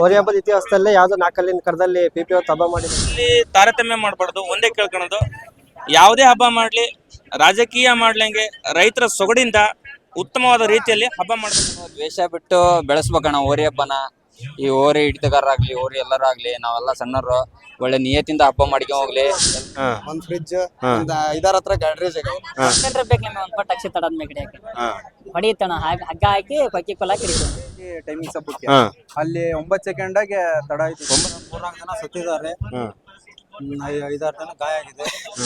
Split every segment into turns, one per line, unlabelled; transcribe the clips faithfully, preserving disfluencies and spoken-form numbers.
ಹೋರಿ ಹಬ್ಬದ ಇತಿಹಾಸದಲ್ಲೇ ಯಾವ್ದೋ ನಾಲ್ಕಲ್ಲಿನ ಕರದಲ್ಲಿ ಪಿ ಪಿ ಹಬ್ಬ ಮಾಡಿದ್ರು.
ಇಲ್ಲಿ ತಾರತಮ್ಯ ಮಾಡಬಾರ್ದು, ಒಂದೇ ಕೇಳ್ಕೊಳೋದು, ಯಾವುದೇ ಹಬ್ಬ ಮಾಡ್ಲಿ, ರಾಜಕೀಯ ಮಾಡ್ಲಂಗೆ ರೈತರ ಸೊಗಡಿಂದ ಉತ್ತಮವಾದ ರೀತಿಯಲ್ಲಿ ಹಬ್ಬ ಮಾಡಬೇಕು.
ದ್ವೇಷ ಬಿಟ್ಟು ಬೆಳೆಸ್ಬೇಕಣ್ಣ ಹೋರಿ ಹಬ್ಬನ. ಈ ಹೋರಿ ಹಿಡಿತಗಾರರಾಗ್ಲಿ ಹೋರಿ ಎಲ್ಲರಾಗ್ಲಿ ನಾವೆಲ್ಲ ಸಣ್ಣರು ಒಳ್ಳೆ ನಿಯತಿಂದ ಹಬ್ಬ ಮಾಡ್ಕೊಂಡ್ ಹೋಗ್ಲಿ.
ಒಂದ್ ಫ್ರಿಡ್ಜ್ ಒಂದ್ ಐದಾರ ಹತ್ರ ಗಾಡ್ರೇಜ್
ಬೇಕು ನಿಮ್ಗೆ ಒಂದ್ ಪಟ್ಟು ಅಕ್ಷಿ ತಡದ ಮೇಲೆ ಹಿಡಿಯಕ್ಕೆ ಹೊಡಿತಣ ಹಗ್ಗ ಹಾಕಿ ಪಕ್ಕಿ ಕೊಲ್ಲ ಹಿಡಿತೀವಿ.
ಟೈಮಿಂಗ್ ಹಬ್ಬಕ್ಕೆ ಅಲ್ಲಿ ಒಂಬತ್ತು ಸೆಕೆಂಡ್ ಆಗಿ ತಡ ಆಯ್ತು. ಮೂರ್ನಾಲ್ಕು ಜನ ಸತ್ತಿದ್ದಾರೆ, ಐದಾರು ಜನ ಗಾಯ ಆಗಿದೆ.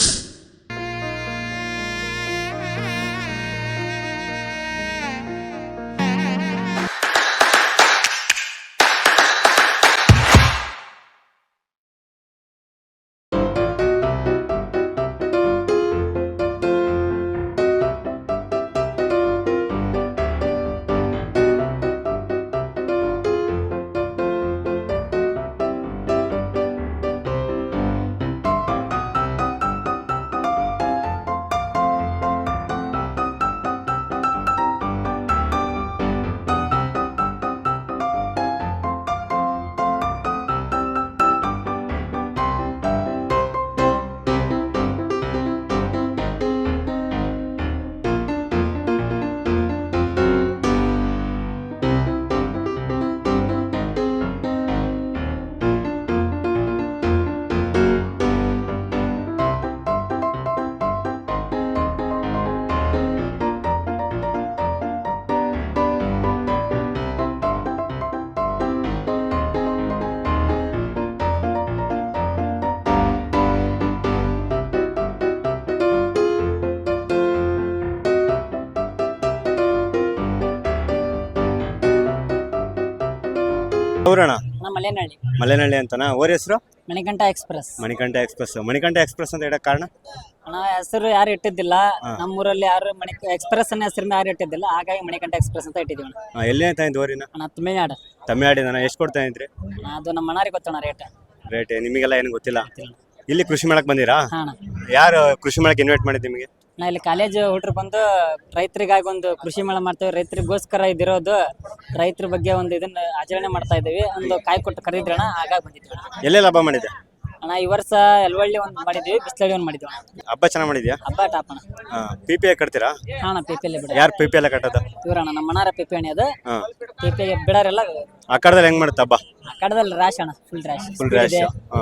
ಊರಣ
ಮಲೆನಹಳ್ಳಿ
ಮಲೆನಹಳ್ಳಿ ಅಂತನಾ? ಓರ್ ಹೆಸರು
Manikanta express.
Manikanta express. Manikanta express ಅಂತ ಹೇಳಕ್ ಕಾರಣ?
ಅಣ್ಣ ಹೆಸರು ಯಾರು ಇಟ್ಟಿದ್ದಿಲ್ಲ, ನಮ್ಮೂರಲ್ಲಿ ಯಾರು ಮಣಿ ಎಕ್ಸ್ಪ್ರೆಸ್ ಅನ್ನ ಹೆಸರಿನ ಯಾರು ಇಟ್ಟಿದ್ದಿಲ್ಲ, ಹಾಗಾಗಿ ಮಣಿಕಂಠ ಎಕ್ಸ್ಪ್ರೆಸ್ ಅಂತ ಇಟ್ಟಿದ್ದೀವಿ ಅಣ್ಣ.
ಎಲ್ಲಿ ಅಂತ ಇದ್ದು ಓರಿನ?
ಅಣ್ಣ ತಮಿಳ್ನಾಡು.
ತಮಿಳ್ನಾಡಿನ ಎಷ್ಟು ಕೊಡ್ತಾ ಇದ್ರಿ?
ಅದು ನಮ್ಮ ಅಣ್ಣಾರಿಗೆ ಗೊತ್ತಣ್ಣ ರೇಟ್.
ರೇಟ್ ನಿಮಗೆಲ್ಲ ಏನು ಗೊತ್ತಿಲ್ಲ. ಇಲ್ಲಿ ಕೃಷಿ ಮೇಳಕ್ ಬಂದಿರಾ?
ಹಾ ಅಣ್ಣ.
ಯಾರು ಕೃಷಿ ಮೇಳಕ್ಕೆ ಇನ್ವೈಟ್ ಮಾಡಿದ್ ನಿಮಗೆ?
ನಾ ಇಲ್ಲಿ ಕಾಲೇಜ್ ಹುಡ್ರು ಬಂದು ರೈತರಿಗಾಗಿ ಒಂದು ಕೃಷಿ ಮೇಳ ಮಾಡ್ತೇವೆ. ರೈತರಿಗೋಸ್ಕರ ಇದಿರೋದು, ರೈತರ ಬಗ್ಗೆ ಒಂದು ಇದನ್ನ ಆಚರಣೆ ಮಾಡ್ತಾ ಇದ್ದೀವಿ. ಒಂದು ಕಾಯಿ ಕೊಟ್ಟು ಕರೀದ್ರಣ, ಹಾಗಾಗಿ ಬಂದಿದ್ವಿ.
ಎಲ್ಲೆಲ್ಲ ಹಬ್ಬ ಮಾಡಿದ್ದೆ
ಅಣ್ಣ? ಈ ವರ್ಷ ಎಲ್ವಳ್ಳಿ ಒಂದು ಮಾಡಿದ್ವಿ, ಬಿಸ್ಲಳ್ಳಿ ಒಂದು ಮಾಡಿದ್ವಿ.
ಹಬ್ಬ ಚೆನ್ನಾಗಿ ಮಾಡಿದ್ಯಾ?
ಹಬ್ಬ ಟಾಪ್ ಅಣ್ಣ.
ಪಿ ಪಿ ಐ ಕಟ್ತೀರಾ?
ಹಾ ಅಣ್ಣ, ಪಿ ಪಿ ಎಲ್ ಬಿಡ.
ಯಾರು ಪಿ ಪಿ ಎಲ್ಲ ಕಟ್ಟೋದು?
ಇವ್ರಣ್ಣ ನಮ್ಮ ಮನಾರ ಪಿ ಪಿ ಎಣ್ಣೆ ಅದು. ಪಿ ಪಿ ಬಿಡಾರೆಲ್ಲ
ಆ ಕಡದಲ್ಲಿ ಹೆಂಗ್ ಮಾಡುತ್ತೆ ಹಬ್ಬ?
ಆ ಕಡದಲ್ಲಿ ರ್ಯಾಶ್ ಅಣ್ಣ, ಫುಲ್ ರ್ಯಾಶ್.
Full rash.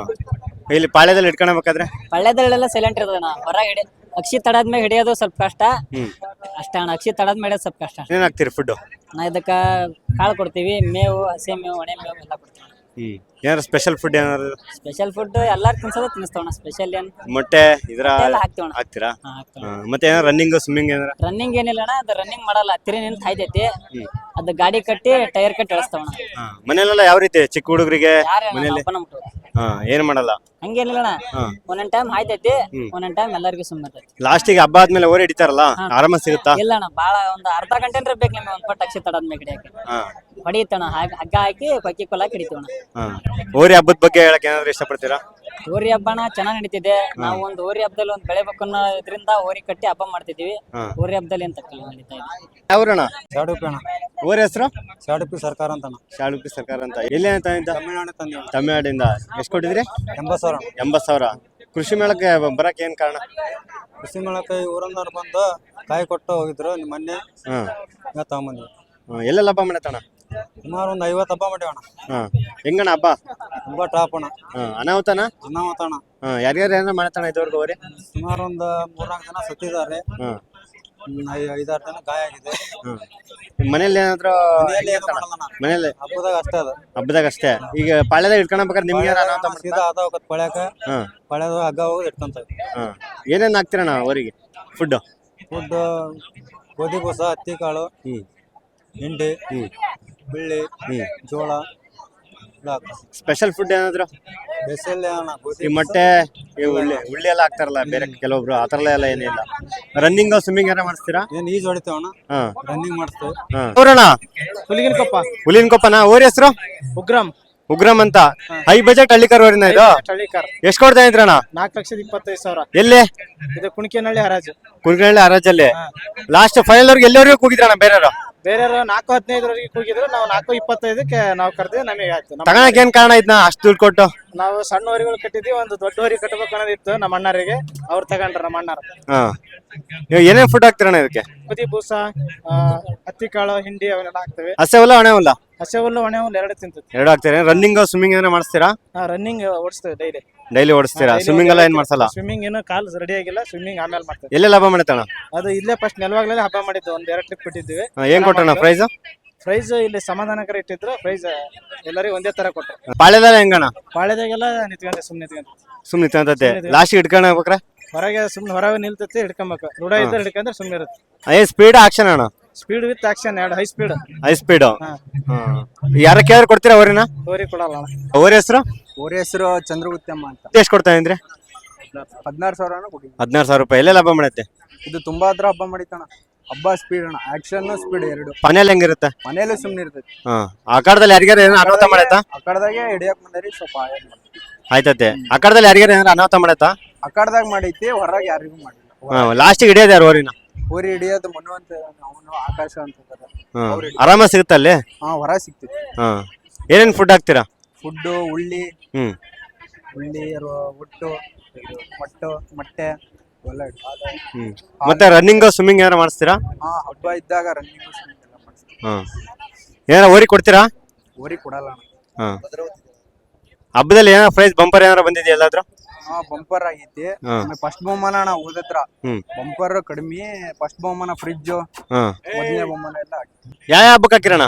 ಇಲ್ಲಿ ಪಾಳ್ಯದಲ್ಲಿ ಇಟ್ಕೊಳ್ಬೇಕಾದ್ರೆ?
ಪಾಳ್ಯದಲ್ಲೆಲ್ಲ ಸೈಲೆಂಟ್ ಇರ್ತದಣ್ಣ. ಹೊರಗೆ ಹಿಡಿ ಅಕ್ಷಿ ತಡಾದ್ಮೇಲೆ ಹಿಡಿಯೋದು ಸ್ವಲ್ಪ ಕಷ್ಟ ಅಷ್ಟೇ ಅಣ್ಣ. ಅಕ್ಷಿ ತಡಾದ್ಮೇಲೆ ಹಿಡಿಯೋದು ಸ್ವಲ್ಪ ಕಷ್ಟ.
ಏನ್ ಹಾಕ್ತೀರಿ ಫುಡ್?
ನಾ ಇದಕ್ಕ ಕಾಳು ಕೊಡ್ತೀವಿ, ಮೇವು, ಹಸಿ ಮೇವು, ಒಣೆ ಮೇವು ಎಲ್ಲ ಕೊಡ್ತೀವಿ.
ಹ್ಮ್ ಏನಾದ್ರು ಸ್ಪೆಷಲ್ ಫುಡ್ ಏನಾದ್ರು?
ಸ್ಪೆಷಲ್ ಫುಡ್ ಎಲ್ಲಾರು ತಿನ್ಸೋದು ತಿನ್ನಿಸ್ತವಣ್ಣ. ಸ್ಪೆಷಲ್ ಏನ್
ಮೊಟ್ಟೆ ಇದ್ರ
ಹಾಕ್ತಿವಣ್ಣ.
ಹಾಕ್ತೀರಾ? ಮತ್ತೆ ಏನಾರ ರನ್ನಿಂಗ್ ಸ್ವಿಮ್ಮಿಂಗ್ ಏನಾರ?
ರನ್ನಿಂಗ್ ಏನಿಲ್ಲ ಅಣ್ಣ, ಅದು ರನ್ನಿಂಗ್ ಮಾಡಲ್ಲ. ಹತ್ತಿರ ನಿಂತ ಹಾಯ್ತೈತಿ, ಅದು ಗಾಡಿ ಕಟ್ಟಿ ಟೈರ್ ಕಟ್ಟಿ ಎಳಿಸ್ತಾವಣ್ಣ.
ಮನೇಲೆಲ್ಲ ಯಾವ ರೀತಿ ಚಿಕ್ಕ ಹುಡುಗರಿಗೆ ಮನೇಲಿ ಹಾ ಏನ್ ಮಾಡಲ್ಲ?
ಹಂಗೇನಿಲ್ಲ ಅಣ್ಣ, ಒಂದೊಂದ್ ಟೈಮ್ ಹಾಯ್ತೈತಿ, ಒಂದೊಂದ್ ಟೈಮ್ ಎಲ್ಲರಿಗೂ ಸುಮ್ಮನೆ.
ಲಾಸ್ಟಿಗೆ ಹಬ್ಬ ಆದ್ಮೇಲೆ ಓರಿ ಹಿಡಿತಾರಲ್ಲ, ಆರಾಮ ಸಿಗುತ್ತಾ?
ಇಲ್ಲ ಅಣ್ಣ, ಬಾಳ ಒಂದ್ ಅರ್ಧ ಗಂಟೆ ಬೇಕು ನಿಮ್ಗೆ ಒಂದ್ ಪಟ್ಟು ಅಕ್ಷಿ ತಡಾದ್ಮೇಲೆ ಹಿಡಿಯಕ್ಕೆ. ಹೊಡಿತಣ್ಣ, ಹಗ್ಗ ಹಾಕಿ ಪಕ್ಕಿ ಕೊಲ್ಲ ಹಿಡಿತೀವಣ್ಣ.
ಹೋರಿ ಹಬ್ಬದ ಬಗ್ಗೆ ಹೇಳಕ್ ಏನಾದ್ರು ಇಷ್ಟಪಡ್ತೀರಾ?
ಹೋರಿ ಹಬ್ಬನ ಚೆನ್ನಾಗ್ ನಡೀತಿದೆ. ನಾವು ಒಂದು ಹೋರಿ ಹಬ್ಬದಲ್ಲಿ ಒಂದು ಬೆಳೆಬೇಕು ಅನ್ನೋ ಇದರಿಂದ ಹೋರಿ ಕಟ್ಟಿ ಹಬ್ಬ ಮಾಡ್ತಿದೀವಿ. ಹೋರಿ ಹಬ್ಬದಲ್ಲಿ ಅಂತ ನಡೀತಾ ಇದೆ.
ಯಾವ್ರಣ?
ಶಾಡುಪಿ ಅಣ್ಣ.
ಓರಿ ಹೆಸರು?
ಶಾಡುಪಿ ಸರ್ಕಾರ ಅಂತ.
ಶಾಡುಪಿ ಸರ್ಕಾರ ಅಂತ. ಎಲ್ಲಿ ಅಂತ?
ತಮಿಳ್ನಾಡು ತಂದಿ.
ತಮಿಳ್ನಾಡಿಂದ. ಎಷ್ಟು ಕೊಟ್ಟಿದ್ರಿ?
ಎಂಬತ್ ಸಾವಿರ.
ಎಂಬತ್ ಸಾವಿರ. ಕೃಷಿ ಮೇಳಕ್ಕೆ ಬರಕ್ ಏನ್ ಕಾರಣ?
ಕೃಷಿ ಮೇಳಕ್ಕೆ ಊರನ್ನವ್ರು ಬಂದು ಕಾಯಿ ಕೊಟ್ಟು ಹೋಗಿದ್ರು ಮೊನ್ನೆ. ಹಾ ತಗೊಂಬಂದ್ವಿ.
ಎಲ್ಲೆಲ್ಲ ಹಬ್ಬ ಮಾಡತ್ತಣ್ಣ?
ಸುಮಾರು ಒಂದ್ ಐವತ್ ಹಬ್ಬ ಮಾಡಿವಣ್ಣ.
ಹಾ ಹೆಂಗಣ್ಣ ಹಬ್ಬ?
ತುಂಬಾ ಟಾಪ್ ಅಣ್ಣ.
ಅನಾಹುತನ?
ಅನಾಹುತ ಅಣ್ಣ.
ಯಾರ್ಯಾರು ಏನಾರ ಮಾಡತ್ತಣ್ಣ ಇದುವರೆಗೂ ಹೋರಿ?
ಸುಮಾರು ಒಂದ್ ಮೂರ್ನಾಲ್ಕು ಜನ ಸತ್ತಿದ್ದಾರೆ, ಐದಾರು ಜನ ಗಾಯ ಆಗಿದೆ.
ಮನೇಲಿ ಏನಾದ್ರು? ಮನೇಲಿ
ಹಬ್ಬದಾಗ ಅಷ್ಟೇ ಅದ.
ಹಬ್ಬದಾಗ ಅಷ್ಟೇ. ಈಗ ಪಾಳ್ಯದಾಗ ಇಟ್ಕೊಳ್ಬೇಕಾದ್ರೆ ನಿಮ್ಗೆ
ಸೀದಾ ಅದ ಹೋಗತ್ ಪಳ್ಯಾಕ. ಪಳ್ಯದ ಹಗ್ಗ ಹೋಗಿ ಇಟ್ಕೊಂತ.
ಏನೇನ್ ಹಾಕ್ತಿರಣ್ಣ ಅವರಿಗೆ ಫುಡ್?
ಫುಡ್ ಗೋಧಿ ಬೂಸ, ಹತ್ತಿ ಕಾಳು, ಹಿಂಡಿ, ಬಿಳ್ಳಿ, ಜೋಳ.
ಸ್ಪೆಷಲ್ ಫುಡ್ ಏನಾದ್ರು?
ಸ್ಪೆಷಲ್
ಈ ಮೊಟ್ಟೆ, ಈ ಉಳ್ಳಿ ಉಳ್ಳಿ ಎಲ್ಲ ಹಾಕ್ತಾರಲ್ಲ ಬೇರೆ ಕೆಲವೊಬ್ರು, ಆ ತರ ಎಲ್ಲ ಏನಿಲ್ಲ. ರನ್ನಿಂಗ್ ಸ್ವಿಮ್ಮಿಂಗ್ ಏನಾರ ಮಾಡಿಸ್ತೀರಾ?
ಏನ್ ಈಜ್ ಹೊಡಿತೇವಣ್ಣ, ರನ್ನಿಂಗ್ ಮಾಡಿಸ್ತೇವೆ.
ಊರಣ್ಣ?
ಹುಲಿಗಿನಕೊಪ್ಪ.
ಹುಲಿಗಿನಕೊಪ್ಪನ. ಓರಿ ಹೆಸರು?
ಉಗ್ರಂ.
ಉಗ್ರಂ ಅಂತ ಹೈ ಬಜೆಟ್ ಹಳ್ಳಿಕಾರ್ ಓರಿನ ಇದು
ಹಳ್ಳಿಕಾರ್
ಎಷ್ಟ್ ಕೊಡ್ತಾ ಇದ್ರಣ್ಣ?
ನಾಲ್ಕು ಲಕ್ಷದ ಇಪ್ಪತ್ತೈದು ಸಾವಿರ.
ಎಲ್ಲಿ?
ಇದು ಕುಣಿಕೆನಹಳ್ಳಿ ಹರಾಜು.
ಕುಣಿಕೆನಹಳ್ಳಿ ಹರಾಜಲ್ಲಿ ಲಾಸ್ಟ್ ಫೈನಲ್ ಅವ್ರಿಗೆ ಎಲ್ಲರಿಗೂ ಕೂಗಿದ್ರಣ್ಣ ಬೇರೆಯವರು?
ಬೇರೆಯವರು ನಾಲ್ಕು ಹದಿನೈದರವರೆಗೆ ಕೂಗಿದ್ರು, ನಾವು ನಾಲ್ಕು ಇಪ್ಪತ್ತೈದಕ್ಕೆ ನಾವು ಕರೆದಿವಿ. ನಮಗೆ ಆಯ್ತು.
ತಗೊಳಕ್ ಏನ್ ಕಾರಣ ಇದ್ನ ಅಷ್ಟು ದುಡ್ಡು ಕೊಟ್ಟು?
ನಾವು ಸಣ್ಣ ಹೊರಿಗಳು ಕಟ್ಟಿದ್ವಿ, ಒಂದು ದೊಡ್ಡ ಹೊರಿ ಕಟ್ಟಬೇಕು ಅನ್ನೋದಿತ್ತು ನಮ್ಮ ಅಣ್ಣರಿಗೆ. ಅವ್ರು ತಗೊಂಡ್ರ ನಮ್ಮ ಅಣ್ಣಾರ.
ಹಾ, ಏನೇನ್ ಫುಡ್ ಹಾಕ್ತಿರಣ್ಣ ಇದಕ್ಕೆ?
ಕುದಿ ಬೂಸ, ಆ, ಹತ್ತಿ ಕಾಳು, ಹಿಂಡಿ ಅವನ್ನೆಲ್ಲ ಹಾಕ್ತೇವೆ.
ಹಸೆ ಹುಲ್ಲ ಒಣ ಹುಲ್ಲ?
ಹಸೆ ಹುಲ್ಲು ಒಣ ಹುಲ್ಲು ಎರಡು ತಿಂತೈತಿ.
ಎರಡು ಹಾಕ್ತೀರಾ? ರನ್ನಿಂಗ್ ಸ್ವಿಮ್ಮಿಂಗ್ ಏನಾರ ಮಾಡಿಸ್ತೀರಾ?
ರನ್ನಿಂಗ್ ಓಡಿಸ್ತೇವೆ ಡೈಲಿ.
ಡೈಲಿ ಓಡಿಸ್ತೀರಾ? ಸ್ವಿಮ್ಮಿಂಗ್ ಎಲ್ಲ ಏನ್ ಮಾಡ್ಸಲ್ಲ?
ಸ್ವಿಮ್ಮಿಂಗ್ ಏನು ಕಾಲು ರೆಡಿ ಆಗಿಲ್ಲ, ಸ್ವಿಮ್ಮಿಂಗ್ ಆಮೇಲೆ ಮಾಡ್ತೇವೆ.
ಎಲ್ಲೆಲ್ಲ ಹಬ್ಬ ಮಾಡತ್ತಣ್ಣ?
ಅದು ಇಲ್ಲೇ ಫಸ್ಟ್ ನೆಲವಾಗ್ಲೇ ಹಬ್ಬ ಮಾಡಿದ್ದು, ಒಂದ್ ಎರಡು ಟ್ರಿಪ್ ಬಿಟ್ಟಿದ್ವಿ.
ಏನ್ ಕೊಟ್ಟಣ್ಣ ಪ್ರೈಸ್?
ಪ್ರೈಸ್ ಇಲ್ಲಿ ಸಮಾಧಾನಕರ ಇಟ್ಟಿದ್ರು. ಪ್ರೈಸ್ ಎಲ್ಲರಿಗೂ ಒಂದೇ ತರ ಕೊಟ್ಟರು.
ಪಾಳೆದಲ್ಲ ಹೆಂಗಣ್ಣ?
ಪಾಳೆದಾಗೆಲ್ಲ ನಿಂತ್ಕೊಂಡೆ, ಸುಮ್ಮನೆ ನಿಂತ್ಕೊಂಡೆ.
ಸುಮ್ನೆ ನಿಂತಂತತೆ ಲಾಸ್ಟ್ ಇಟ್ಕೊಂಡ್ ಹೋಗ್ಬೇಕ್ರೆ
ಹೊರಗೆ ಸುಮ್ಮನೆ ಹೊರಗೆ ನಿಲ್ತೈತಿ, ಹಿಡ್ಕೊಬೇಕು. ರೂಢ ಇದ್ರೆ ಹಿಡ್ಕೊಂಡ್ರೆ ಸುಮ್ಮನೆ ಇರುತ್ತೆ.
ಏ ಸ್ಪೀಡ್ ಆಕ್ಷನ್ ಅಣ್ಣ?
ಸ್ಪೀಡ್ ವಿತ್ ಆಕ್ಷನ್, ಎರಡು ಹೈ ಸ್ಪೀಡ್.
High speed. ಯಾರ ಕೇಳಿದ್ರೆ ಕೊಡ್ತೀರಾ ಅವರಿನ?
ಹೋರಿ ಕೊಡಲ್ಲ.
ಅವ್ರ ಹೆಸರು?
ಹೋರಿ ಹೆಸರು ಚಂದ್ರಗುತ್ತಮ್ಮ ಅಂತ.
ಎಷ್ಟು ಕೊಡ್ತಾ ಇದ್ರಿ?
ಹದಿನಾರು ಸಾವಿರ ಕೊಡಿ.
ಹದಿನಾರು ಸಾವಿರ ರೂಪಾಯಿ. ಎಲ್ಲೆಲ್ಲ ಹಬ್ಬ ಮಾಡತ್ತೆ
ಇದು? ತುಂಬಾ ಹತ್ರ ಹಬ್ಬ ಮಾಡಿತಣ. ಹಬ್ಬ ಸ್ಪೀಡ್ ಅಣ್ಣ, ಆಕ್ಷನ್ ಸ್ಪೀಡ್ ಎರಡು.
ಮನೇಲಿ ಹೆಂಗಿರುತ್ತೆ?
ಮನೇಲಿ ಸುಮ್ಮನೆ ಇರ್ತೈತಿ.
ಹಾ, ಆ ಕಾಲದಲ್ಲಿ ಯಾರಿಗಾರ ಏನೋ ಅನಾಹುತ ಮಾಡೈತಾ?
ಆ ಕಡೆದಾಗೆ ಹಿಡಿಯಕ್ ಬಂದರಿ ಸ್ವಲ್ಪ
ಆಯ್ತತೆ. ಆ ಕಾಲದಲ್ಲಿ ಯಾರಿಗಾರ ಏನಾರ ಅನಾಹುತ ಮಾಡೈತಾ?
ಆ ಕಡೆದಾಗ ಮಾಡೈತಿ, ಹೊರಗೆ ಯಾರಿಗೂ ಮಾಡಿಲ್ಲ.
ಹಾ, ಲಾಸ್ಟ್ ಹಿಡಿಯೋದು ಯಾರು ಓರಿನ?
ಹೋರಿ ಹಿಡಿಯೋದು ಮನು ಅಂತ, ಅವನು ಆಕಾಶ ಅಂತ.
ಆರಾಮ ಸಿಗುತ್ತ ಅಲ್ಲಿ?
ಹಾ, ಹೊರ ಸಿಗ್ತೈತಿ.
ಹಾ, ಏನೇನ್ ಫುಡ್ ಹಾಕ್ತೀರಾ?
ಫುಡ್ಡು ಉಳ್ಳಿ,
ಹ್ಮ್
ಉಳ್ಳಿ, ಒಟ್ಟು, ಮೊಟ್ಟು, ಮೊಟ್ಟೆ ಇವೆಲ್ಲ.
ಹ್ಮ್ ಮತ್ತೆ ರನ್ನಿಂಗ್ ಸ್ವಿಮ್ಮಿಂಗ್ ಏನಾರ ಮಾಡಿಸ್ತೀರಾ?
ಹಾ, ಹಬ್ಬ ಇದ್ದಾಗ ರನ್ನಿಂಗ್ ಎಲ್ಲ ಮಾಡಿಸ್ತೀವಿ.
ಹಾ, ಏನಾರ ಓರಿ ಕೊಡ್ತೀರಾ?
ಹೋರಿ ಕೊಡಲ್ಲ ಅಣ್ಣ.
ಹಾ, ಹಬ್ಬದಲ್ಲಿ ಏನಾರ ಪ್ರೈಸ್ ಬಂಪರ್ ಏನಾರ ಬಂದಿದೆಯಾ ಎಲ್ಲಾದ್ರೂ?
ಹಾ, ಬಂಪರ್ ಆಗೈತಿ.
ಹಾ.
ಫಸ್ಟ್ ಬಹುಮಾನ ಅಣ್ಣ ಹೋದತ್ರ.
ಹ್ಮ್
ಬಂಪರ್ ಕಡಿಮೆ, ಫಸ್ಟ್ ಬಹುಮಾನ ಫ್ರಿಜ್,
ಹಾ,
ಮೊದಲನೇ ಬಹುಮಾನ ಎಲ್ಲ ಆಗಿತ್ತು.
ಯಾವ ಹಬ್ಬಕ್ಕೆ ಹಾಕಿರಣ್ಣ?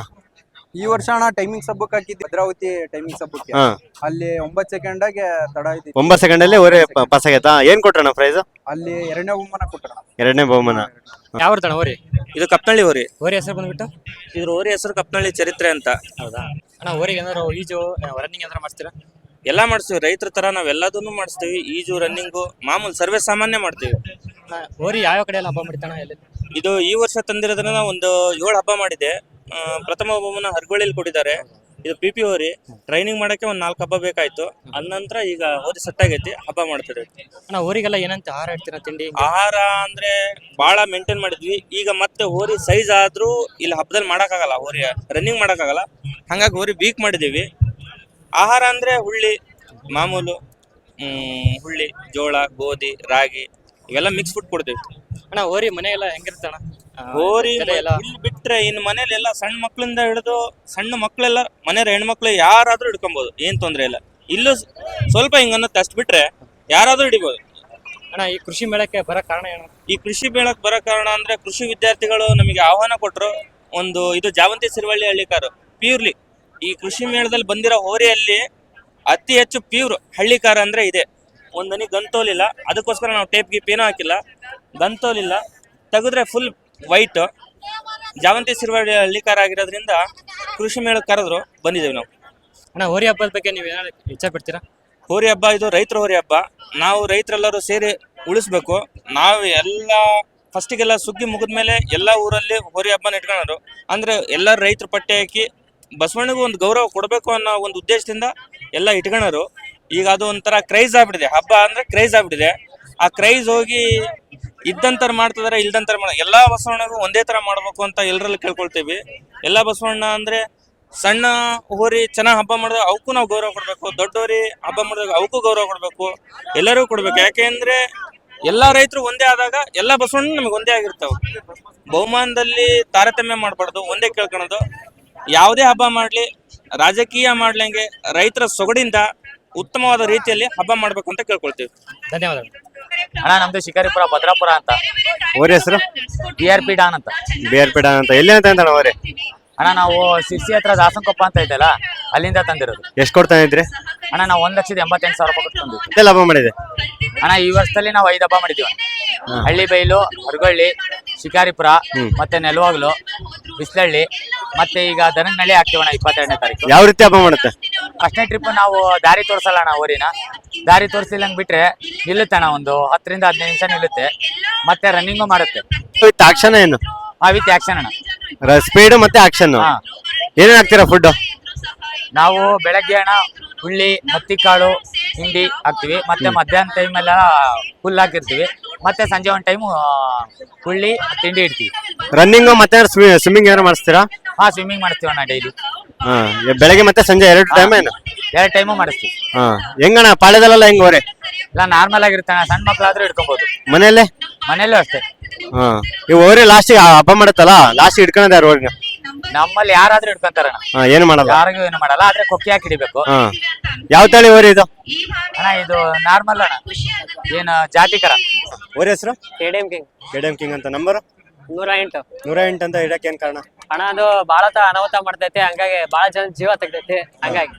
ಈ ವರ್ಷ ಅಣ್ಣ ಟೈಮಿಂಗ್ ಹಬ್ಬಕ್ಕೆ ಹಾಕಿದ್ವಿ, ಭದ್ರಾವತಿ ಟೈಮಿಂಗ್ ಹಬ್ಬಕ್ಕೆ.
ಹಾ,
ಅಲ್ಲಿ ಒಂಬತ್ತು ಸೆಕೆಂಡಾಗೆ ತಡ ಐತಿ.
ಒಂಬತ್ತು ಸೆಕೆಂಡ್ ಅಲ್ಲಿ ಓರಿ ಪಾಸ್ ಆಗೈತಾ? ಏನ್ ಕೊಟ್ರಣ್ಣ ಪ್ರೈಸ್?
ಅಲ್ಲಿ ಎರಡನೇ ಬಹುಮಾನ ಕೊಟ್ಟಣ.
ಎರಡನೇ ಬಹುಮಾನ.
ಯಾವ ತಣ ಹೋರಿ?
ಇದು ಕಪ್ನಳ್ಳಿ ಹೋರಿ.
ಹೋರಿ ಹೆಸರು ಬಂದ್ಬಿಟ್ಟು?
ಇದ್ರ ಹೋರಿ ಹೆಸರು ಕಪ್ನಳ್ಳಿ ಚರಿತ್ರೆ ಅಂತ.
ಹೌದಾ ಅಣ್ಣ? ಹೋರಿಗೆ ಏನಾದ್ರು ಈಜು ರನ್ನಿಂಗ್ ಏನಾದ್ರು ಮಾಡ್ತೀರಾ?
ಎಲ್ಲಾ ಮಾಡಿಸ್ತೀವಿ, ರೈತರ ತರ ನಾವ್ ಎಲ್ಲದನ್ನು ಮಾಡಿಸ್ತೀವಿ. ಈಜು, ರನ್ನಿಂಗು, ಮಾಮೂಲು ಸರ್ವೇ ಸಾಮಾನ್ಯ ಮಾಡ್ತೀವಿ.
ಹೋರಿ ಯಾವ ಕಡೆ ಎಲ್ಲ ಹಬ್ಬ ಮಾಡ್ತಾನ? ಎಲ್ಲಿ?
ಇದು ಈ ವರ್ಷ ತಂದಿರೋದ್ರಿಂದ ಒಂದು ಏಳು ಹಬ್ಬ ಮಾಡಿದೆ. ಆ, ಪ್ರಥಮ ಹಬ್ಬವನ್ನ ಹರಗೋಳಿಲಿ ಕೊಟ್ಟಿದ್ದಾರೆ. ಇದು ಪಿ ಪಿ ಹೋರಿ. ಟ್ರೈನಿಂಗ್ ಮಾಡಕ್ಕೆ ಒಂದ್ ನಾಲ್ಕು ಹಬ್ಬ ಬೇಕಾಯ್ತು. ಅದ ನಂತರ ಈಗ ಹೋರಿ ಸೆಟ್ಟಾಗೈತಿ, ಹಬ್ಬ ಮಾಡ್ತಿದ್ವಿ.
ಅಣ್ಣ ಹೋರಿಗೆಲ್ಲ ಏನಂತ ಆಹಾರ ಇಡ್ತೀರಾ? ತಿಂಡಿ
ಆಹಾರ ಅಂದ್ರೆ ಬಹಳ ಮೇಂಟೈನ್ ಮಾಡಿದ್ವಿ. ಈಗ ಮತ್ತೆ ಹೋರಿ ಸೈಜ್ ಆದ್ರೂ ಇಲ್ಲಿ ಹಬ್ಬದಲ್ಲಿ ಮಾಡಕ್ಕಾಗಲ್ಲ, ಹೋರಿ ರನ್ನಿಂಗ್ ಮಾಡಕ್ಕಾಗಲ್ಲ. ಹಂಗಾಗಿ ಹೋರಿ ವೀಕ್ ಮಾಡಿದೀವಿ. ಆಹಾರ ಅಂದ್ರೆ ಹುಳ್ಳಿ, ಮಾಮೂಲು ಹ್ಮ್ ಹುಳ್ಳಿ, ಜೋಳ, ಗೋಧಿ, ರಾಗಿ ಇವೆಲ್ಲ ಮಿಕ್ಸ್ ಫುಡ್ ಕೊಡ್ತೀವಿ.
ಅಣ್ಣ ಹೋರಿ ಮನೆ ಎಲ್ಲ ಹೆಂಗಿರ್ತಣ?
ಹೋರಿ
ಎಲ್ಲ
ಇಲ್ಲಿ ಬಿಟ್ರೆ ಇನ್ನು ಮನೇಲಿ ಎಲ್ಲ ಸಣ್ಣ ಮಕ್ಳಿಂದ ಹಿಡಿದು ಸಣ್ಣ ಮಕ್ಳೆಲ್ಲ ಮನೆಯ ಹೆಣ್ಮಕ್ಳು ಯಾರಾದ್ರೂ ಹಿಡ್ಕೊಬಹುದು, ಏನ್ ತೊಂದ್ರೆ ಇಲ್ಲ. ಇಲ್ಲೂ ಸ್ವಲ್ಪ ಹಿಂಗನ್ನತ್ತೆ, ಅಷ್ಟು ಬಿಟ್ರೆ ಯಾರಾದ್ರೂ ಹಿಡಿಬಹುದು.
ಅಣ್ಣ ಈ ಕೃಷಿ ಮೇಳಕ್ಕೆ ಬರೋ ಕಾರಣ ಏನು?
ಈ ಕೃಷಿ ಮೇಳಕ್ಕೆ ಬರೋ ಕಾರಣ ಅಂದ್ರೆ ಕೃಷಿ ವಿದ್ಯಾರ್ಥಿಗಳು ನಮಗೆ ಆಹ್ವಾನ ಕೊಟ್ಟರು. ಒಂದು ಇದು ಜಾವಂತಿ ಸಿರುವಳ್ಳಿ ಹಳ್ಳಿಕಾರು ಪ್ಯೂರ್ಲಿ ಈ ಕೃಷಿ ಮೇಳದಲ್ಲಿ ಬಂದಿರೋ ಹೋರಿಯಲ್ಲಿ ಅತಿ ಹೆಚ್ಚು ಪ್ಯೂರ್ ಹಳ್ಳಿಕಾರ ಅಂದ್ರೆ ಇದೆ. ಒಂದನಿ ಗಂತೋಲಿಲ್ಲ, ಅದಕ್ಕೋಸ್ಕರ ನಾವು ಟೇಪ್ ಗೀಪ್ ಏನೂ ಹಾಕಿಲ್ಲ. ಗಂತೋಲಿಲ್ಲ, ತೆಗೆದ್ರೆ ಫುಲ್ ವೈಟ್ ಜಾವಂತಿ ಸಿರುವಳ್ಳಿ ಹಳ್ಳಿಕಾರ ಆಗಿರೋದ್ರಿಂದ ಕೃಷಿ ಮೇಳಕ್ಕೆ ಕರೆದ್ರು, ಬಂದಿದ್ದೇವೆ ನಾವು.
ಅಣ್ಣ ಹೋರಿ ಹಬ್ಬದ ಬಗ್ಗೆ ನೀವು ಏನಾದ್ರು ಇಚ್ಛೆ ಪಡ್ತೀರಾ?
ಹೋರಿ ಹಬ್ಬ ಇದು ರೈತರ ಹೋರಿ ಹಬ್ಬ. ನಾವು ರೈತರೆಲ್ಲರೂ ಸೇರಿ ಉಳಿಸ್ಬೇಕು. ನಾವು ಎಲ್ಲ ಫಸ್ಟಿಗೆಲ್ಲ ಸುಗ್ಗಿ ಮುಗಿದ್ಮೇಲೆ ಎಲ್ಲ ಊರಲ್ಲಿ ಹೋರಿ ಹಬ್ಬನ ಇಟ್ಕೊಳ್ಳೋರು. ಅಂದ್ರೆ ಎಲ್ಲ ರೈತರ ಪಟ್ಟೆ ಹಾಕಿ ಬಸವಣ್ಣಗೂ ಒಂದು ಗೌರವ ಕೊಡಬೇಕು ಅನ್ನೋ ಒಂದು ಉದ್ದೇಶದಿಂದ ಎಲ್ಲ ಇಟ್ಕೊಳ್ಳೋರು. ಈಗ ಅದು ಒಂಥರ ಕ್ರೈಸ್ ಆಗ್ಬಿಟ್ಟಿದೆ, ಹಬ್ಬ ಅಂದ್ರೆ ಕ್ರೈಸ್ ಆಗ್ಬಿಟ್ಟಿದೆ. ಆ ಕ್ರೈಸ್ ಹೋಗಿ ಇದ್ದಂತರ ಮಾಡ್ತಿದಾರೆ, ಇಲ್ದಂತರ ಮಾಡ ಎಲ್ಲಾ ಬಸವಣ್ಣಗೂ ಒಂದೇ ತರ ಮಾಡ್ಬೇಕು ಅಂತ ಎಲ್ಲರಲ್ಲಿ ಕೇಳ್ಕೊಳ್ತೀವಿ. ಎಲ್ಲಾ ಬಸವಣ್ಣ ಅಂದ್ರೆ ಸಣ್ಣ ಹೋರಿ ಚೆನ್ನಾಗಿ ಹಬ್ಬ ಮಾಡಿದಾಗ ಅವಕ್ಕೂ ನಾವು ಗೌರವ ಕೊಡ್ಬೇಕು, ದೊಡ್ಡೋರಿ ಹಬ್ಬ ಮಾಡಿದಾಗ ಅವಕ್ಕೂ ಗೌರವ ಕೊಡ್ಬೇಕು, ಎಲ್ಲರಿಗೂ ಕೊಡ್ಬೇಕು. ಯಾಕೆಂದ್ರೆ ಎಲ್ಲಾ ರೈತರು ಒಂದೇ ಆದಾಗ ಎಲ್ಲ ಬಸವಣ್ಣ ನಮಗೆ ಒಂದೇ ಆಗಿರ್ತಾವ. ಬಹುಮಾನದಲ್ಲಿ ತಾರತಮ್ಯ ಮಾಡ್ಬಾರ್ದು, ಒಂದೇ ಕೇಳ್ಕೊಳೋದು. ಯಾವುದೇ ಹಬ್ಬ ಮಾಡ್ಲಿ, ರಾಜಕೀಯ ಮಾಡ್ಲಂಗೆ ರೈತರ ಸೊಗಡಿಂದ ಉತ್ತಮವಾದ ರೀತಿಯಲ್ಲಿ ಹಬ್ಬ ಮಾಡ್ಬೇಕು ಅಂತ ಕೇಳ್ಕೊಳ್ತೀವಿ.
ಧನ್ಯವಾದಗಳು.
ಅಣ್ಣ ನಮ್ದು ಶಿಕಾರಿಪುರ ಭದ್ರಾಪುರ ಅಂತ.
ಓರಿ ಹೆಸರು?
ಬಿ ಆರ್ ಪಿ ಡಾನ್ ಅಂತ.
ಬಿ ಆರ್ ಪಿ ಡಾನ್ ಅಂತ. ಎಲ್ಲಿ ಅಂತ ಅಂತಾನ ಓರಿ?
ಅಣ್ಣ ನಾವು ಸಿರ್ಸಿ ಹತ್ರ ದಾಸನಕೊಪ್ಪ ಅಂತ ಐತಲ್ಲ, ಅಲ್ಲಿಂದ ತಂದಿರೋದು.
ಎಷ್ಟು ಕೊಡ್ತಾ ಇದ್ರಿ?
ಅಣ್ಣ ನಾವು ಒಂದ್ ಲಕ್ಷದ ಎಂಬತ್ತೆಂಟು ಸಾವಿರ ರೂಪಾಯಿ ಕೊಟ್ಟು ತಂದಿದ್ವಿ.
ಎಲ್ಲ ಹಬ್ಬ ಮಾಡಿದೆ
ಅಣ್ಣ ಈ ವರ್ಷದಲ್ಲಿ ನಾವು ಐದು ಹಬ್ಬ ಮಾಡಿದೀವಿ. ಹಳ್ಳಿ ಬೈಲು, ಹರಗೊಳ್ಳಿ, ಶಿಕಾರಿಪುರ, ಮತ್ತೆ ನೆಲವಾಗ್ಲು, ಬಿಸ್ಲಳ್ಳಿ, ಮತ್ತೆ ಈಗ ದನನಹಳ್ಳಿ ಹಾಕ್ತೀವಣ್ಣ ಇಪ್ಪತ್ತೆರಡನೇ ತಾರೀಕು.
ಯಾವ ರೀತಿ ಹಬ್ಬ ಮಾಡುತ್ತೆ?
ಫಸ್ಟ್ನೇ ಟ್ರಿಪ್ ನಾವು ದಾರಿ ತೋರ್ಸಲ್ಲ ಅಣ್ಣ ಊರಿನ. ದಾರಿ ತೋರಿಸಿಲ್ಲಂಗ್ ಬಿಟ್ರೆ ನಿಲ್ಲುತ್ತೆ ಅಣ್ಣ, ಒಂದು ಹತ್ತರಿಂದ ಹದಿನೈದು ನಿಮಿಷ ನಿಲ್ಲುತ್ತೆ. ಮತ್ತೆ ರನ್ನಿಂಗು ಮಾಡುತ್ತೆ.
ವಿತ್ ಆಕ್ಷನ್ ಏನು?
ಆ ವಿತ್ ಆಕ್ಷನ್ ಅಣ್ಣ.
ಸ್ಪೀಡ್ ಮತ್ತೆ ಆಕ್ಷನ್.
ಹಾ.
ಏನೇನ್ ಹಾಕ್ತೀರಾ ಫುಡ್?
ನಾವು ಬೆಳಗ್ಗೆ ಅಣ್ಣ ಹುಳ್ಳಿ ಹತ್ತಿಕಾಳು ಹಿಂಡಿ ಹಾಕ್ತಿವಿ, ಮತ್ತೆ ಮಧ್ಯಾಹ್ನ ಟೈಮ್ ಎಲ್ಲ ಹುಲ್ಲು ಹಾಕಿರ್ತೀವಿ, ಮತ್ತೆ ಸಂಜೆ ಒಂದ್ ಟೈಮು ಹುಳ್ಳಿ ತಿಂಡಿ ಇಡ್ತೀವಿ.
ರನ್ನಿಂಗ್ ಮತ್ತೆ ಸ್ವಿಮ್ಮಿಂಗ್ ಏನಾರು ಮಾಡಿಸ್ತೀರಾ?
ಹಾ ಸ್ವಿಮ್ಮಿಂಗ್ ಮಾಡ್ತೀವಿ ಅಣ್ಣ ಡೈಲಿ.
ಹಾ ಬೆಳಗ್ಗೆ ಮತ್ತೆ ಸಂಜೆ ಎರಡು ಟೈಮ್ ಏನು?
ಎರಡು ಟೈಮು ಮಾಡಿಸ್ತೀವಿ.
ಹಾ ಹೆಂಗಣ್ಣ ಪಾಳ್ಯದಲ್ಲೆಲ್ಲ ಹೆಂಗ್ ಹೊರೆ?
ಇಲ್ಲ ನಾರ್ಮಲ್ ಆಗಿರುತ್ತೆ ಅಣ್ಣ, ಸಣ್ಣ ಮಕ್ಳಾದ್ರೂ ಹಿಡ್ಕೊಬಹುದು.
ಮನೆಯಲ್ಲೇ?
ಮನೇಲೂ ಅಷ್ಟೇ.
ಹಾ ಇವ್ ಹೋರಿ ಲಾಸ್ಟಿಗೆ ಹಬ್ಬ ಮಾಡತ್ತಲ್ಲ, ಲಾಸ್ಟ್ ಹಿಡ್ಕೊಂಡ್ ಯಾರು ಹೋರಿನ?
ನಮ್ಮಲ್ಲಿ ಯಾರಾದ್ರೂ ಹಿಡ್ಕೊಂತಾರಣ್ಣ,
ಹಾ ಏನು ಮಾಡಲ್ಲ.
ಯಾರಿಗೂ ಏನು ಮಾಡಲ್ಲ, ಆದ್ರೆ ಕೊಕ್ಕಿ ಹಾಕಿ ಹಿಡಿಬೇಕು.
ಹಾ ಯಾವ ತಳಿ ಹೋರಿ ಇದು?
ಅಣ್ಣ ಇದು ನಾರ್ಮಲ್ ಅಣ್ಣ, ಏನು ಜಾತಿಕರ.
ಹೋರಿ ಹೆಸರು?
ಕೆಡಿಎಂ ಕಿಂಗ್
ಕೆಡಿಎಂ ಕಿಂಗ್ ಅಂತ. ನಂಬರ್
ನೂರ ಎಂಟು
ನೂರ ಎಂಟು ಅಂತ ಇಡಕ್ಕೆ ಏನ್ ಕಾರಣ?
ಅಣ್ಣ ಅದು ಬಾಳ ಅನಾಹುತ ಮಾಡ್ತೈತಿ, ಹಂಗಾಗಿ ಬಾಳ ಜನ ಜೀವ ತೆಗ್ದೈತಿ. ಹಂಗಾಗಿ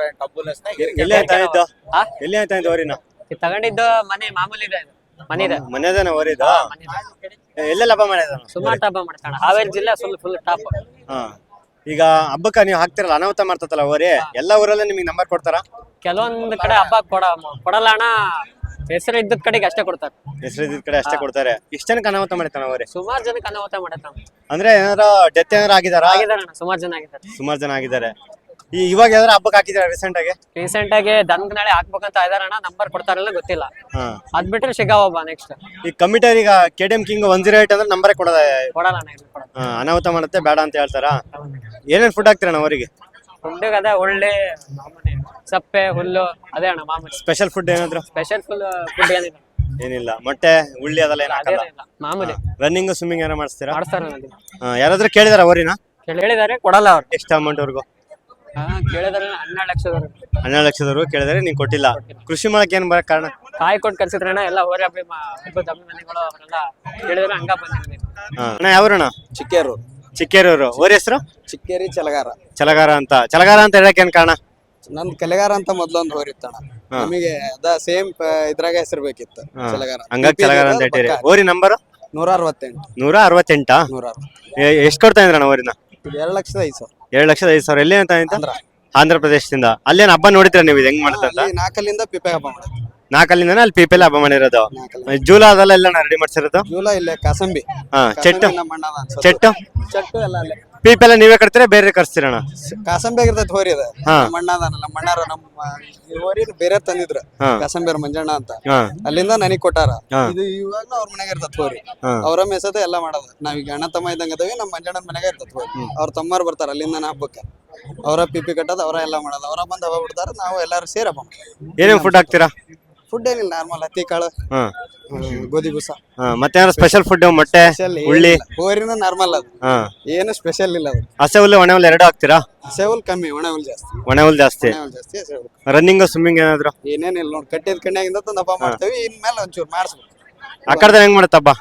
ಎಲ್ಲಿ ಆಯ್ತಾ ಇದ್ದು?
ಹಾ?
ಎಲ್ಲಿ ಆಯ್ತಾ ಇದ್ದು ಹೋರಿನ?
ಇದ್ ತಗೊಂಡಿದ್ದು ಮನೆ ಮಾಮೂಲಿ ಇದೆ, ಮನೆ ಇದೆ.
ಮನೆದೇನ ಹೋರಿದ? ಎಲ್ಲೆಲ್ಲ ಹಬ್ಬ ಮಾಡಿದ?
ಸುಮಾರು ಹಬ್ಬ ಮಾಡ್ತಾಣ. ಹಾವೇರಿ ಜಿಲ್ಲೆ ಫುಲ್ ಫುಲ್ ಟಾಪ್.
ಹಾ ಈಗ ಹಬ್ಬಕ್ಕ ನೀವು ಹಾಕ್ತಿರಲ್ಲ, ಅನಾಹುತ ಮಾಡ್ತತಲ್ಲ ಹೋರಿ, ಎಲ್ಲ ಊರಲ್ಲೇ ನಿಮಗೆ ನಂಬರ್ ಕೊಡ್ತಾರ?
ಕೆಲವೊಂದ್ ಕಡೆ ಹಬ್ಬ ಕೊಡ ಕೊಡಲ್ಲ ಅಣ್ಣ, ಹೆಸರು ಇದ್ದದ್ ಕಡೆಗೆ ಅಷ್ಟೇ ಕೊಡ್ತಾರೆ.
ಹೆಸರು ಇದ್ದಿದ್ ಕಡೆ ಅಷ್ಟೇ ಕೊಡ್ತಾರೆ. ಇಷ್ಟ ಜನಕ್ಕೆ ಅನಾಹುತ ಮಾಡಿತಾನ ಹೋರಿ?
ಸುಮಾರು ಜನಕ್ಕೆ ಅನಾಹುತ ಮಾಡೈತೆ.
ಅಂದ್ರೆ ಏನಾರ ಡೆತ್ ಏನಾರ ಆಗಿದಾರ?
ಆಗಿದಾರೆ ಅಣ್ಣ, ಸುಮಾರು ಜನ ಆಗಿದ್ದಾರೆ.
ಸುಮಾರು ಜನ ಆಗಿದ್ದಾರೆ. ಈ ಇವಾಗ ಯಾವ್ದಾರ ಹಬ್ಬಕ್ಕೆ ಹಾಕಿದಾರ ರೀಸೆಂಟ್ ಆಗಿ?
ರೀಸೆಂಟ್ ಆಗಿ ದನದ ನಾಳೆ ಹಾಕ್ಬೇಕಂತ ಇದಾರಣ್ಣ, ನಂಬರ್ ಕೊಡ್ತಾರಲ್ಲ ಗೊತ್ತಿಲ್ಲ.
ಹಾ
ಅದ್ ಬಿಟ್ರೆ ಶಿಗಾವ್ ಹಬ್ಬ ನೆಕ್ಸ್ಟ್.
ಈ ಕಮಿಟರ್ ಈಗ KDM king one zero eight ಅಂದ್ರೆ ನಂಬರೇ ಕೊಡೋದ?
ಕೊಡಲ್ಲ ಅಣ್ಣ, ಇದು ಕೊಡಲ್ಲ.
ಹಾ ಅನಾಹುತ ಮಾಡುತ್ತೆ ಬೇಡ ಅಂತ ಹೇಳ್ತಾರ. ಏನೇನ್ ಫುಡ್ ಹಾಕ್ತೀರಣ್ಣ ಅವರಿಗೆ?
ಫುಡ್ಡಿಗೆ ಅದೇ ಒಳ್ಳೆ ಮಾಮೂಲಿ ಸಪ್ಪೆ ಹುಲ್ಲು ಅದೇ ಅಣ್ಣ ಮಾಮೂಲಿ.
ಸ್ಪೆಷಲ್ ಫುಡ್ ಏನಾದ್ರು?
ಸ್ಪೆಷಲ್ ಫುಲ್ ಫುಡ್ ಏನಿಲ್ಲ,
ಏನಿಲ್ಲ. ಮೊಟ್ಟೆ ಉಳ್ಳಿ ಅದೆಲ್ಲ ಏನ್ ಹಾಕಲ್ಲ?
ಅದೇನಿಲ್ಲ, ಮಾಮೂಲಿ
ರನ್ನಿಂಗ್ ಸ್ವಿಮ್ಮಿಂಗ್ ಏನೋ ಮಾಡಿಸ್ತೀರಾ?
ಮಾಡಿಸ್ತಾರ.
ಹಾ ಯಾರಾದ್ರೂ ಕೇಳಿದಾರ ಅವರಿನ?
ಹೇಳಿದಾರೆ, ಕೊಡಲ್ಲ ಅವ್ರು.
ಎಷ್ಟು ಅಮೌಂಟ್ ವರ್ಗು?
ಹಾ ಕೇಳಿದಾರೆ ಹನ್ನೆರಡು ಲಕ್ಷದವ್ರು.
ಹನ್ನೆರಡು ಲಕ್ಷದವರೆಗೂ ಕೇಳಿದಾರೆ, ನೀನ್ ಕೊಟ್ಟಿಲ್ಲ. ಕೃಷಿ ಮಾಡಕ್ ಏನ್ ಬರಕ್ ಕಾರಣ?
ಕಾಯಿ ಕೊಟ್ಟು ಕಲ್ಸಿದ್ರಣ್ಣ, ಎಲ್ಲ ಹೋರಿ ಹಬ್ಬ ಹಬ್ಬದ ಅಭಿಮಾನಿಗಳು ಅವರೆಲ್ಲ ಕೇಳಿದ್ರೆ ಹಂಗ ಬಂದಿದ್ದೀವಿ.
ಹಾ ಅಣ್ಣ ಯಾವ್ರಣ್ಣ?
ಚಿಕ್ಕೇರು
ಚಿಕ್ಕೇರೂರು. ಹೋರಿ ಹೆಸರು?
ಚಿಕ್ಕೇರಿ ಚಲಗಾರ.
ಚಲಗಾರ ಅಂತ. ಚಲಗಾರ ಅಂತ ಹೇಳಕ್ ಏನ್ ಕಾರಣ?
ನನ್ ಕಲೆಗಾರ ಅಂತ ಮೊದ್ಲೊಂದು ಹೋರಿತ್ತಣ್ಣ, ನಮಗೆ ಅದ ಸೇಮ್ ಇದ್ರಾಗ ಹೆಸರು ಬೇಕಿತ್ತು ಚಲಗಾರ.
ಹಂಗಾಗಿ ಚಲಗಾರ ಅಂತ ಹೇಳ್ತೀರಿ. ಹೋರಿ ನಂಬರ್?
ನೂರ ಅರವತ್ತೆಂಟು.
ನೂರ ಅರವತ್ತೆಂಟಾ?
ನೂರ ಅರವತ್ತು.
ಎಷ್ಟ್ ಕೊಡ್ತಾ ಇದ್ರಣ್ಣ ಹೋರಿನ?
ಎರಡು ಲಕ್ಷದ ಐದು ಸಾವಿರ.
ಎರಡ್ ಲಕ್ಷದ ಐದು ಸಾವಿರ. ಎಲ್ಲಿ ಅಂತ ಆಯ್ತಾ?
ಅಂದ್ರ
ಆಂಧ್ರ ಪ್ರದೇಶದಿಂದ. ಅಲ್ಲೇನ್ ಹಬ್ಬ ನೋಡಿದ್ರ ನೀವು ಇದು ಹೆಂಗ್ ಮಾಡ್ತಂತ?
ಅಲ್ಲಿ ನಾಲ್ಕಲ್ಲಿಂದ ಪಿಪೆ ಹಬ್ಬ ಮಾಡೋದು.
ನಾಲ್ಕಲ್ಲಿಂದ ಅಲ್ಲಿ ಪೀಪಲ್ ಹಬ್ಬ ಮಾಡಿರೋದು.
ನಾಲ್ಕಲ್ಲಿ
ಜೂಲ ಅದೆಲ್ಲ ಎಲ್ಲ ರೆಡಿ ಮಾಡ್ಸಿರೋದು?
ಜೂಲ ಇಲ್ಲೇ ಕಾಸಂಬಿ.
ಹಾ ಚೆಟ್ಟು?
ಕಾಸಂಬಿ ನಮ್ಮ ಅಣ್ಣದ ಅನ್ಸುತ್ತೆ.
ಚೆಟ್ಟು
ಚೆಟ್ಟು ಎಲ್ಲ ಅಲ್ಲೇ.
ಪೀಪಲ್ ನೀವೇ ಕಟ್ತೀರಾ ಬೇರೆ ಕರ್ಸ್ತೀರಣ್ಣ?
ಕಾಸಂಬಿ ಆಗಿರ್ತೈತಿ ಹೋರಿ ಅದ.
ಹಾ.
ನಮ್ಮ ಅಣ್ಣ ಅದಾನ, ನಮ್ಮ ಅಣ್ಣಾರ ನಮ್ಮ ಈ ಹೋರಿ ಬೇರೆ ತಂದಿದ್ರು,
ಹಾ.
ಕಾಸಂಬಿಯವ್ರ ಮಂಜಣ್ಣ ಅಂತ.
ಹಾ
ಅಲ್ಲಿಂದ ನನಗ್ ಕೊಟ್ಟಾರ.
ಹಾ.
ಇದು ಇವಾಗ ಅವ್ರ ಮನೆಗೆ ಇರ್ತತ್ ಹೋರಿ,
ಹಾ.
ಅವ್ರ ಮೇಸದ ಎಲ್ಲ ಮಾಡೋದು. ನಾವೀಗ ಅಣ್ಣ ತಮ್ಮ ಇದ್ದಂಗ ಅದವಿ, ನಮ್ಮ ಮಂಜಣ್ಣನ ಮನೆಗೆ ಇರ್ತತ್ ಹೋರಿ. ಅವ್ರ ತಮ್ಮರು ಬರ್ತಾರ ಅಲ್ಲಿಂದ ಹಬ್ಬಕ್ಕೆ, ಅವರ ಪಿಪಿ ಕಟ್ಟೋದು ಅವರ ಎಲ್ಲ ಮಾಡೋದು. ಅವರ ಬಂದ್ ಹಬ್ಬ ಬಿಡ್ತಾರ, ನಾವು ಎಲ್ಲಾರು ಸೇರಿ ಹಬ್ಬ ಮಾಡ್ತೀವಿ.
ಏನೇನ್ ಫುಡ್ ಹಾಕ್ತೀರಾ?
ಫುಡ್ ಏನಿಲ್ಲ, ನಾರ್ಮಲ್ ಹತ್ತಿ ಕಾಳು,
ಹಾ
ಹ್ಮ್, ಗೋಧಿ ಬೂಸ.
ಹಾ ಮತ್ತೆ ಏನಾರ ಸ್ಪೆಷಲ್ ಫುಡ್? ಮೊಟ್ಟೆ
ಸ್ಪೆಷಲ್
ಉಳ್ಳಿ?
ಹೋರಿನ ನಾರ್ಮಲ್ ಅದು,
ಹಾ
ಏನು ಸ್ಪೆಷಲ್ ಇಲ್ಲ ಅದು.
ಹಸೆ ಹುಲ್ಲು ಒಣ ಹುಲ್ಲು ಎರಡು ಹಾಕ್ತೀರಾ?
ಹಸೆ ಹುಲ್ ಕಮ್ಮಿ, ಒಣ ಹುಲ್ ಜಾಸ್ತಿ.
ಒಣ ಹುಲ್ ಜಾಸ್ತಿ.
ಒಣ ಹುಲ್ ಜಾಸ್ತಿ, ಹಸೆ ಹುಲ್.
ರನ್ನಿಂಗ್ ಸ್ವಿಮ್ಮಿಂಗ್ ಏನಾದ್ರು?
ಏನೇನಿಲ್ಲ ನೋಡಿ, ಕಟ್ಟಿದ ಕಣ್ಣಿಯಾಗಿಂದ ತಂದು ಹಬ್ಬ ಮಾಡ್ತೇವಿ. ಇನ್ಮೇಲೆ ಒಂಚೂರು ಮಾಡಿಸ್ಬೇಕು.
ಆ ಕಡೆ ಹೆಂಗ್ ಮಾಡತ್ತ ಹಬ್ಬ?